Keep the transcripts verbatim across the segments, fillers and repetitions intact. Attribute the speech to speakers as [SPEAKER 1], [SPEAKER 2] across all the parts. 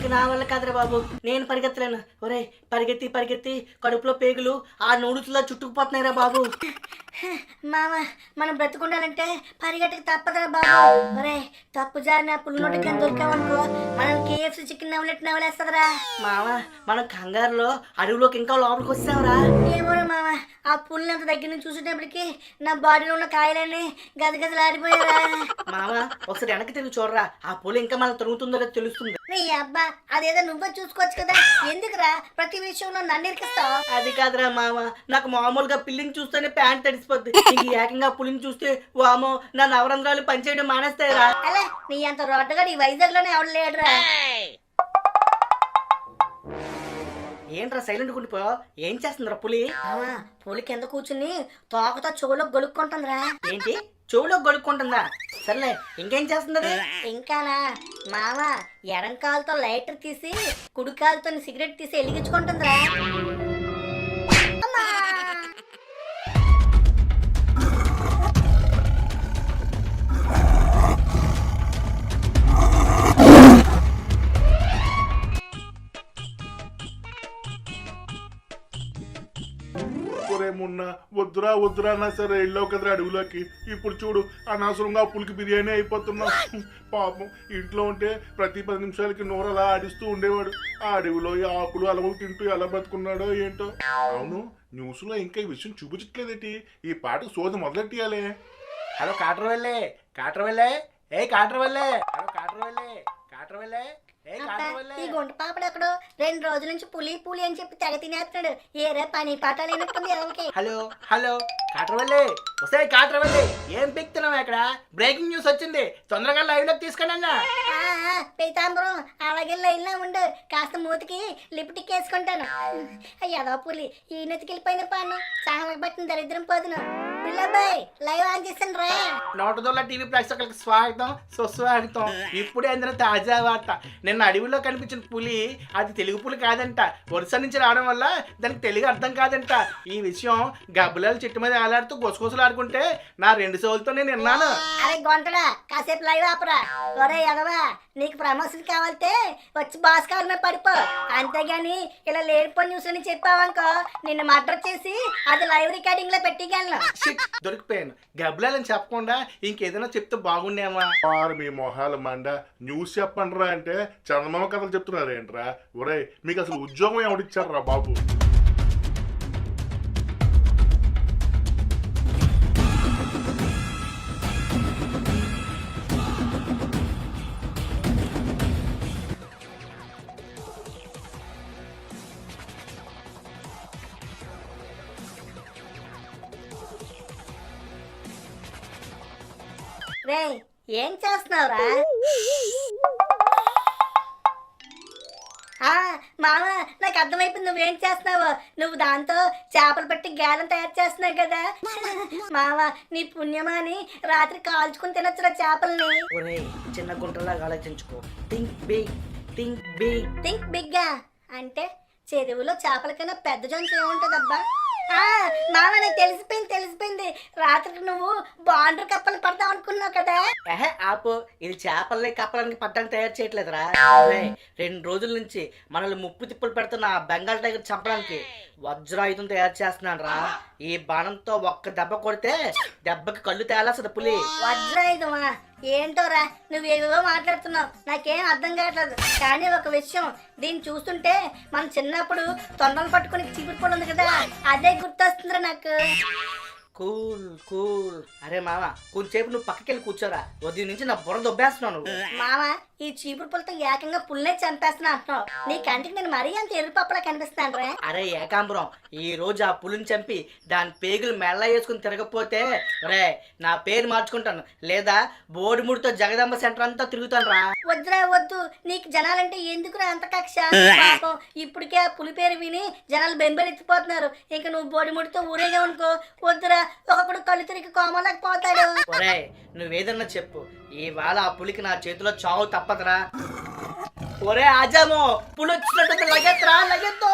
[SPEAKER 1] ఇక నా వల్ల కాదురా బాబు, నేను పరిగెత్తలేను. ఒరే పరిగెత్తి పరిగెత్తి కడుపులో పేగులు ఆ నూడుతులా చుట్టుకుపోతున్నాయిరా బాబు.
[SPEAKER 2] మామ మనం బ్రతుకుండాలంటే పరిగెట్టకి తప్పదురా బాబు. ఒరే తప్పు జారిన పుల్లు నోటి కింద దొరికామనుకో మనం కేఎఫ్సీ చికెన్ నవ్వులెట్ నవ్వులేస్తుందిరా.
[SPEAKER 1] మామ మనం కంగారులో అడవిలోకి ఇంకా లోపలికి వచ్చావురా.
[SPEAKER 2] ఏమోరా మామ, ఆ పుల్లు అంత దగ్గర నుంచి చూసేటప్పటికి నా బాడీలో ఉన్న కాయలన్నీ గదగదలాడిపోయారా.
[SPEAKER 1] మామ ఒకసారి వెనక్కి తిరిగి చూడరా, ఆ పులి ఇంకా మనం తరుగుతుందో లేదో తెలుస్తుంది.
[SPEAKER 2] నీ అబ్బా అదేదో నువ్వే చూసుకోవచ్చు కదా, ఎందుకురా ప్రతి విషయంలో నన్ను ఇరికిస్తావు?
[SPEAKER 1] అది కాదురా మామ, నాకు మామూలుగా పిల్లిని చూస్తేనే ప్యాంట్ తడిసిపోద్ది, ఇంక ఏకంగా పులిని చూస్తే వామో నా నవరంధ్రాలు పనిచేయడం మానేస్తాయిరా.
[SPEAKER 2] అలా నీ అంత రోడ్డుగా ఈ వైజాగ్ లోనే ఎవడు లేడురా.
[SPEAKER 1] ఏంట్రా సైలెంట్ ఉండిపో, ఏం చేస్తుందిరా పులి?
[SPEAKER 2] పులి కింద కూర్చుని తోకతో చెవులో గొలుక్కుంటుందిరా.
[SPEAKER 1] ఏంటి చెవులో గొడుక్కుంటుందా? సర్లే ఇంకేం చేస్తుంది?
[SPEAKER 2] ఇంకానా మామ ఎడం కాలుతో లైటర్ తీసి కుడి కాలుతో సిగరెట్ తీసి వెలిగించుకుంటుందిరా.
[SPEAKER 3] మొన్న వద్దురా వద్దురా అన్నా సరే వెళ్ళావు కదరా అడవిలోకి. ఇప్పుడు చూడు అనవసరంగా ఆ పులికి బిర్యానీ అయిపోతున్నావు. పాపం ఇంట్లో ఉంటే ప్రతి పది నిమిషాలకి నోరు అలా ఆడిస్తూ ఉండేవాడు. ఆ అడవిలో ఈ ఆకులు అలవలు తింటూ ఎలా బతుకున్నాడో ఏంటో. అవును, న్యూస్ లో ఇంకా ఈ విషయం చూపించట్లేదేంటి? ఈ పాటకు సోది మొదలెట్టియాలే.
[SPEAKER 4] హలో కాటర్ వెళ్ళే కాటర్ వెళ్ళే ఏ కాటర్ వెళ్ళే హలో కాటర్ వెళ్ళే కాటర్ వెళ్ళే
[SPEAKER 2] ఈ గుంట పాపడు ఎక్కడో రెండు రోజుల నుంచి పులి పులి అని చెప్పి తెగ తినేస్తున్నాడు. ఏరే పని పాట లేనట్టుంది ఎవరికి.
[SPEAKER 4] హలో హలో కాటర్ వెళ్ళే వస్తే కాటర్ వెళ్ళే ఏం పిక్తున్నావు ఇక్కడ? బ్రేకింగ్ న్యూస్ వచ్చింది, తొందరగా లైవ్ లోకి తీసుకుని అన్నా.
[SPEAKER 2] పీతాంబరం అలాగే లైన్ లో ఉండు, కాస్త మూతికి లిప్టిక్ వేసుకుంటాను. అయ్యదో పులి ఈ నెతికెళ్ళిపోయిన పాను సహనం పట్టిన దరిద్రం పోదును. పిల్లబాయ్ లైవ్ ఆన్ చేసాను రా.
[SPEAKER 4] నోటదోళ్ళ టీవీ ప్రేక్షకులకు స్వాగతం సుస్వాగతం. ఇప్పుడే అందరూ తాజా వార్త. నిన్న అడవిలో కనిపించిన పులి అది తెలుగు పులి కాదంట, వరుస నుంచి రావడం వల్ల దానికి తెలుగు అర్థం కాదంట. ఈ విషయం గబ్బులాలు చెట్టు మీద ఆలాడుతూ గొసగొసలు ఆడుకుంటే నా రెండు సోలతో నేను విన్నాను.
[SPEAKER 2] అరే గొంటడా కాసేపు లైవ్ ఆపరా. ఒరే ఎదవా నీకు ప్రమోషన్ కావాలంటే వచ్చి బాస్ కావాలి మీద పడిపో, అంతేగాని ఇలా లేనిపోయి న్యూస్ అని చెప్పావనుకో నిన్ను మర్డర్ చేసి అది లైవ్ రికార్డింగ్ లో పెట్టిగలను.
[SPEAKER 4] దొరికిపోయాను. గబ్బులాలని చెప్పకుండా ఇంకేదైనా చెప్తే బాగుండేమా?
[SPEAKER 3] మీ మొహాల మండ న్యూస్ చెప్పండి రా అంటే చందమామ కథలు చెప్తున్నారు ఏంట్రా? ఒరే మీకు అసలు ఉద్యోగం ఎవడిచ్చారా బాబు?
[SPEAKER 2] రే ఏం చేస్తున్నావురా? మామ నాకు అర్థమైపోయింది నువ్వేం చేస్తున్నావు. నువ్వు దాంతో చేపలు పెట్టి గేలం తయారు చేస్తున్నావు కదా మామ. నీ పుణ్యమాని రాత్రి కాల్చుకుని తినొచ్చురా చేపల్ని.
[SPEAKER 1] చిన్న గుంటలాగా ఆలోచించుకో. Think big think big
[SPEAKER 2] think బిగ్గా అంటే చెరువులో చేపల కన్నా పెద్ద జంతు ఏముంటదబ్బా? మామ నాకు తెలిసిపోయింది తెలిసిపోయింది రాత్రికి నువ్వు బాండర్ కప్పలు పడతావు అనుకున్నావు కదా.
[SPEAKER 1] ఏహే ఆపు, ఇది చేపల్ని కప్పలకి పట్టడానికి తయారు చేయట్లేదురా. రెండు రోజుల నుంచి మనల్ని ముప్పు తిప్పులు పెడుతున్న బెంగాల్ టైగర్ చంపడానికి వజ్రాయుధం తయారు చేస్తున్నాను రా. ఈ బాణంతో ఒక్క దెబ్బ కొడితే దెబ్బకి కళ్ళు తేలాల్సింది పులి.
[SPEAKER 2] వజ్రాయుధమా? ఏంటోరా నువ్వేవో మాట్లాడుతున్నావు, నాకేం అర్థం కావట్లేదు. కానీ ఒక విషయం, దీన్ని చూస్తుంటే మన చిన్నప్పుడు తొండలు పట్టుకుని చీపురు ఉంది కదా, అదే గుర్తొస్తుందిరా నాకు.
[SPEAKER 1] Cool cool. అరే మామ కొంచెంసేపు నువ్వు పక్కకెళ్ళి కూర్చోరా, ఉదయం నుంచి నా బుర్ర దొబ్బేస్తున్నావు నువ్వు.
[SPEAKER 2] మామ ఈ చీపురు పుల్లతో ఏకంగా పుల్లే చంపేస్తున్నా అంటున్నావు. నీ కంటికి నేను మరీ అంత ఎరుపప్పులా కనిపిస్తాను రా.
[SPEAKER 1] అరే ఏకాంబరం, ఈ రోజు ఆ పులిని చంపి దాని పేగులు మెల్ల వేసుకుని తిరగపోతే రే నా పేరు మార్చుకుంటాను, లేదా బోడిముడితో జగదంబ సెంటర్ అంతా తిరుగుతాను రా.
[SPEAKER 2] వద్దురా వద్దు, నీకు జనాలంటే ఎందుకురా అంత కక్ష? పాపం ఇప్పటికే ఆ పులి పేరు విని జనాలు బెంబెలెత్తిపోతున్నారు. ఇంకా నువ్వు బోడిముడితో ఊరేగా అనుకో, వద్దురా ఒకప్పుడు కళ్ళు తిరిగి కోమలకు పోతాడు.
[SPEAKER 1] ఒరే నువ్వేదన్నా చెప్పు, ఇవాళ ఆ పులికి నా చేతిలో చావు తప్పదురా. ఒరే ఆజామో పులి వచ్చినట్టు లగెత్రా లగెత్తో.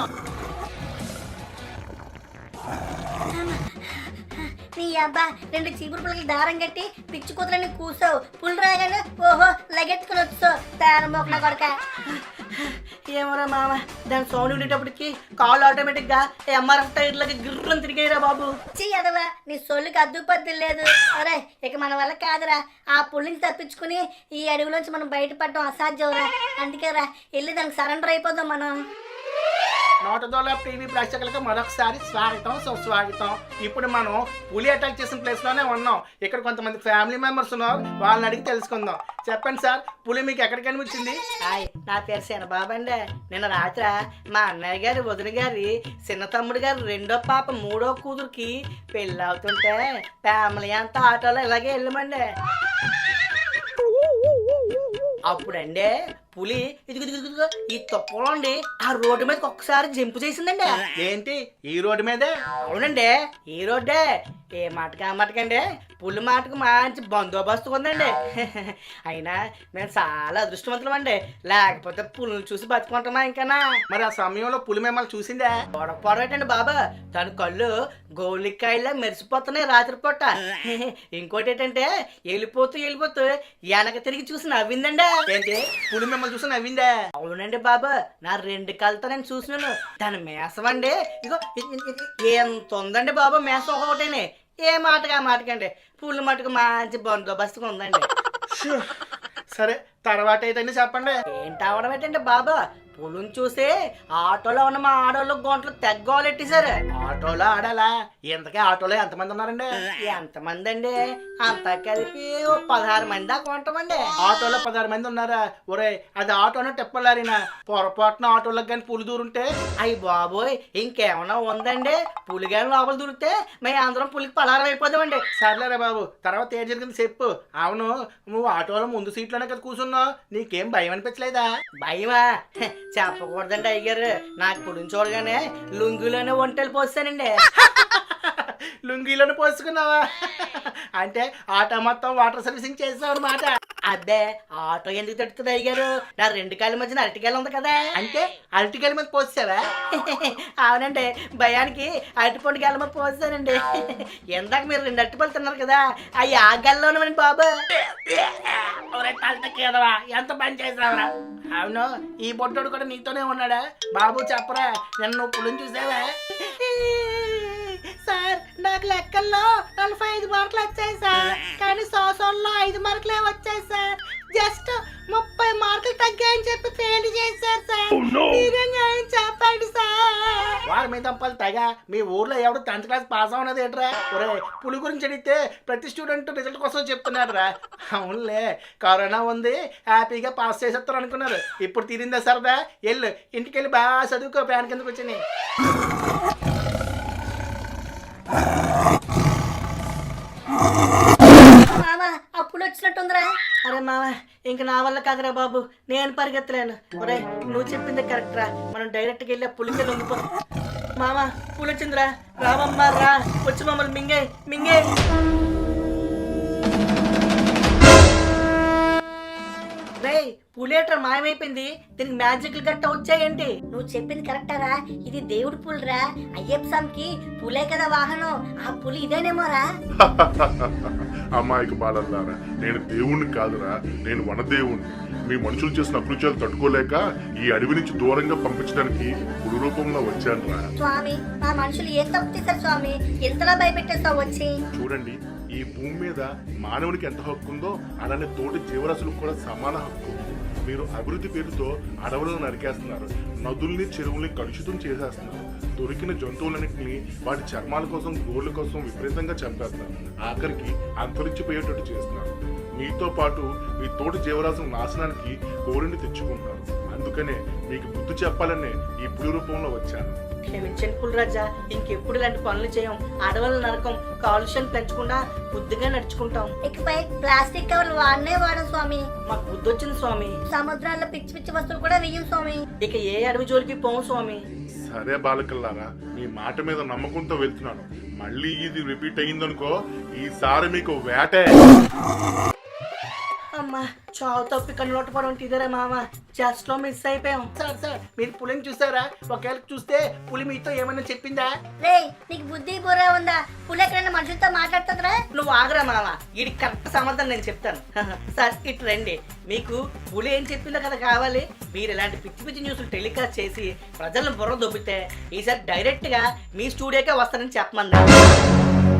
[SPEAKER 2] నీ అబ్బా రెండు చీపురు పుల్లకి దారం కట్టి పిచ్చి కూతురని కూసావు. పులి రాగానే ఓహో లగెత్తుకుని వచ్చావు తాను మోకన కొడక.
[SPEAKER 1] ఏమరా మామ, దాని సౌండ్ ఉండేటప్పటికి కాళ్ళు ఆటోమేటిక్ గా ఎంఆర్ఎఫ్ టైర్లకి గిర్రం తిరిగాయిరా బాబు.
[SPEAKER 2] చీ అదవా, నీ సొల్లుకి అద్దుపద్దు లేదు. అరే ఇక మన వల్ల కాదురా, ఆ పుల్లిని తప్పించుకుని ఈ అడవిలోంచి మనం బయటపడడం అసాధ్యంరా. అందుకేరా వెళ్ళి దానికి సరెండర్ అయిపోదాం మనం.
[SPEAKER 4] నోటదోల టీవీ ప్రేక్షకులకు మరొకసారి స్వాగతం సుస్వాగతం. ఇప్పుడు మనం పులి అటాక్ చేసిన ప్లేస్ లోనే ఉన్నాం. ఇక్కడ కొంతమంది ఫ్యామిలీ మెంబర్స్ ఉన్నారు, వాళ్ళని అడిగి తెలుసుకుందాం. చెప్పండి సార్, పులి మీకు ఎక్కడ కనిపించింది?
[SPEAKER 1] హాయ్, నా పేరు శన బాబండి. నిన్న రాత్రి మా అన్నయ్య గారి, వదిన గారి, చిన్న తమ్ముడు గారి రెండో పాప మూడో కూతురికి పెళ్ళి అవుతుంటే ఫ్యామిలీ అంతా ఆటోలో ఇలాగే వెళ్ళమండి. అప్పుడండి పులి ఇదిగో ఇదిగో ఇదిగో ఈ తొక్కలో అండి ఆ రోడ్డు మీదకి ఒక్కసారి జంపు చేసిందండి.
[SPEAKER 4] ఏంటి ఈ రోడ్డు మీదే?
[SPEAKER 1] అవునండి, ఈ రోడ్డే. ఏ మాటకి ఆ మాటకండి పులి మాటకు మంచి బందోబస్తు ఉందండి. అయినా మేము చాలా అదృష్టవంతులం అండి, లేకపోతే పులిని చూసి బతుకుంటామా ఇంకనా.
[SPEAKER 4] మరి ఆ సమయంలో పులి మిమ్మల్ని చూసిందే?
[SPEAKER 1] పొడపొడటండి బాబా, తన కళ్ళు గోలికాయలా మెరిసిపోతున్నాయి రాత్రిపూట. ఇంకోటి ఏంటంటే వెళ్ళిపోతూ వెళ్ళిపోతూ వెనక తిరిగి చూసి నవ్విందండి.
[SPEAKER 4] ఏంటి పులి మిమ్మల్ని చూసి నవ్విందే?
[SPEAKER 1] అవునండి బాబా, నా రెండు కళ్ళతో నేను చూసినాను. దాని మేసం అండి ఇగో ఇ- ఇ- ఇ- ఎంత ఉందండి బాబా మేసం ఒకటేనే. ఏ మాటగా మాటకండి పుల్లి మటుకు మంచి బందోబస్తుగా ఉందండి.
[SPEAKER 4] షూ. సరే తర్వాత ఏదైనా చెప్పండి.
[SPEAKER 1] ఏంటి అవడం ఏంటంటే బాబా, పులిని చూసి ఆటోలో ఉన్న మా ఆడోళ్ళు గొంటలు తెగ్గోలెట్టేశారు.
[SPEAKER 4] ఆటోలో ఆడాలా? ఇంతకే ఆటోలో ఎంతమంది ఉన్నారండి?
[SPEAKER 1] ఎంతమంది అండి, అంతా కలిపి ఓ పదహారు మంది దాకా ఉంటామండి.
[SPEAKER 4] ఆటోలో పదహారు మంది ఉన్నారా? ఒరే అది ఆటోనో టెప్పలారినా పొరపాటున ఆటోలకు కానీ పులి దూరుంటే?
[SPEAKER 1] అయ్యి బాబోయ్, ఇంకేమన్నా ఉందండి? పులిగాని లోపల దూరితే మేము అందరం పులికి పలారం అయిపోదామండి.
[SPEAKER 4] సర్లేరా బాబు, తర్వాత ఏం జరిగింది చెప్పు. అవును, నువ్వు ఆటోలో ముందు సీట్లోనే కదా కూర్చున్నావు, నీకేం భయం అనిపించలేదా?
[SPEAKER 1] భయమా? హె, చెప్పకూడదండి అయ్యారు. నాకు పులిని చూడగానే లుంగిలోనే ఒంటెలు పోస్తానండి.
[SPEAKER 4] లుంగీలను పోసుకున్నావా? అంటే ఆటో మొత్తం వాటర్ సర్వీసింగ్ చేసావు అనమాట.
[SPEAKER 1] అబ్బే, ఆటో ఎందుకు తడుతుంది అయ్యారు? నా రెండు కాళ్ళ మధ్యన అరటికాయలు ఉంది కదా.
[SPEAKER 4] అంటే అరటికాయల మీద పోసావా?
[SPEAKER 1] అవునండి, భయానికి అరటిపండు గెల మీద పోస్తానండి. ఎందాక మీరు రెండు అరటిపళ్ళు తిన్నారు కదా, అవి ఆ గెల్లోనమండి బాబు.
[SPEAKER 4] ఒరే తలటకేదవా, ఎంత పని చేసావురా? అవును, ఈ బొట్టోడు కూడా నీతోనే ఉన్నాడా? బాబు చెప్పరా, నన్ను నువ్వు పులిని చూసావా?
[SPEAKER 1] సార్, నాకు లెక్కల్లో నలభై ఐదు మార్కులు వచ్చాయి సార్, కానీ సోసంలో ఐదు మార్కులే వచ్చాయి సార్. జస్ట్ ముప్పై మార్కులు తగ్గాయని చెప్పి ఫెయిల్ చేశారు సార్. మీరే న్యాయం చెప్పండి సార్.
[SPEAKER 4] వారి మీద తంపాలి తెగ. మీ ఊర్లో ఎవడు టెన్త్ క్లాస్ పాస్ అవునది ఏంట్రా? ఒరే పులి గురించి అడిగితే ప్రతి స్టూడెంట్ రిజల్ట్ కోసం చెప్తున్నాడు రా. అవునులే, కరోనా ఉంది హ్యాపీగా పాస్ చేసేస్తారు అనుకున్నారు. ఇప్పుడు తీరిందా సరదా? వెళ్ళు ఇంటికి వెళ్ళి బాగా చదువుకో, ఫ్యాన్ కిందకు వచ్చి.
[SPEAKER 2] మామ అప్పుడు వచ్చినట్టుందిరా.
[SPEAKER 1] అరే మామ, ఇంక నా వల్ల కాదురా బాబు, నేను పరిగెత్తలేను. ఒరే నువ్వు చెప్పింది కరెక్ట్ రా, మనం డైరెక్ట్గా వెళ్ళి ఆ పులికి లొంగిపో. మామ పులి వచ్చిందిరా, రామమ్మ రా, వచ్చి మమ్మల్ని మింగే మింగే. రే పులేట్రా మాయమైపోయింది, దీనికి మ్యాజిక్లు గట్ట వచ్చాయేంటి?
[SPEAKER 2] నువ్వు చెప్పింది కరెక్టారా, ఇది దేవుడి పులిరా. అయ్యప్ప స్వామికి పులే కదా వాహనం, ఆ పులి ఇదేనేమోరా.
[SPEAKER 3] అమ్మాయికి బాలల్లారా, నేను దేవుణ్ణి కాదురా, నేను వనదేవుణ్ణి. మీ మనుషులు చేసిన అకృత్యాలు తట్టుకోలేక ఈ అడవి నుంచి దూరంగా పంపించడానికి పులి రూపంలో వచ్చాను రా.
[SPEAKER 2] స్వామి, మా మనుషులు ఏం తప్పు చేశారు స్వామి, ఎంతలా భయపెట్టేస్తావు వచ్చి?
[SPEAKER 3] చూడండి, ఈ భూమి మీద మానవునికి ఎంత హక్కు ఉందో అలానే తోటి జీవరాశులకు కూడా సమాన హక్కు ఉంది. మీరు అభివృద్ధి పేరుతో అడవులను నరికేస్తున్నారు, నదుల్ని చెరువుల్ని కలుషితం చేసేస్తున్నారు, దొరికిన జంతువులన్నింటినీ వాటి చర్మాల కోసం గోళ్ళ కోసం విపరీతంగా చంపేస్తున్నారు, ఆఖరికి అంతరించిపోయేటట్టు చేస్తున్నారు. మీతో పాటు మీ తోటి జీవరాశుల నాశనానికి కోరిని తెచ్చుకుంటున్నారు. అందుకనే మీకు బుద్ధి చెప్పాలనే ఈ పులి రూపంలో వచ్చాను.
[SPEAKER 1] క్షమించండి పులిరాజా, ఇంకెప్పుడు ఇలాంటి పనులు చేయం. అడవుల నరకం, కాలుష్యం పెంచకుండా బుద్ధిగా నడుచుకుంటాం.
[SPEAKER 2] ఇకపై ప్లాస్టిక్ కవర్లు వాడనే వాడం స్వామి.
[SPEAKER 1] మాకు బుద్ధి వచ్చింది స్వామి.
[SPEAKER 2] సముద్రాల్లో పిచ్చి పిచ్చి వస్తువులు కూడా వెయ్యం స్వామి.
[SPEAKER 1] ఇక ఏ అడవి జోలికి పోము స్వామి.
[SPEAKER 3] సరే బాలకల్లారా, మీ మాట మీద నమ్మకంతో వెళ్తున్నాను. మళ్ళీ ఇది రిపీట్ అయ్యిందనుకో, ఈసారి మీకు వేటే.
[SPEAKER 1] అమ్మ మామ చావు తప్పి కన్నులోట పడడం ఇదేరా మామ జస్ట్ లో మిస్ అయిపోయాం.
[SPEAKER 4] సార్ సార్ మీరు పులిని చూసారా? ఒకవేళ చూస్తే పులి మీతో ఏమైనా చెప్పిందా?
[SPEAKER 2] రే నీకు బుద్ధి బుర్ర ఉందా? పులి ఎక్కడైనా మనుషులతో మాట్లాడుతుందిరా?
[SPEAKER 1] నువ్వు ఆగరా మామ, ఇది కరెక్ట్ సమాధానం నేను చెప్తాను. సార్ ఇటు రండి, మీకు పులి ఏం చెప్పిందో కదా కావాలి. మీరు ఇలాంటి పిచ్చి పిచ్చి న్యూస్లు టెలికాస్ట్ చేసి ప్రజలను బుర్ర దొబ్బితే ఈసారి డైరెక్ట్ గా మీ స్టూడియోకే వస్తానని చెప్పమన్నా.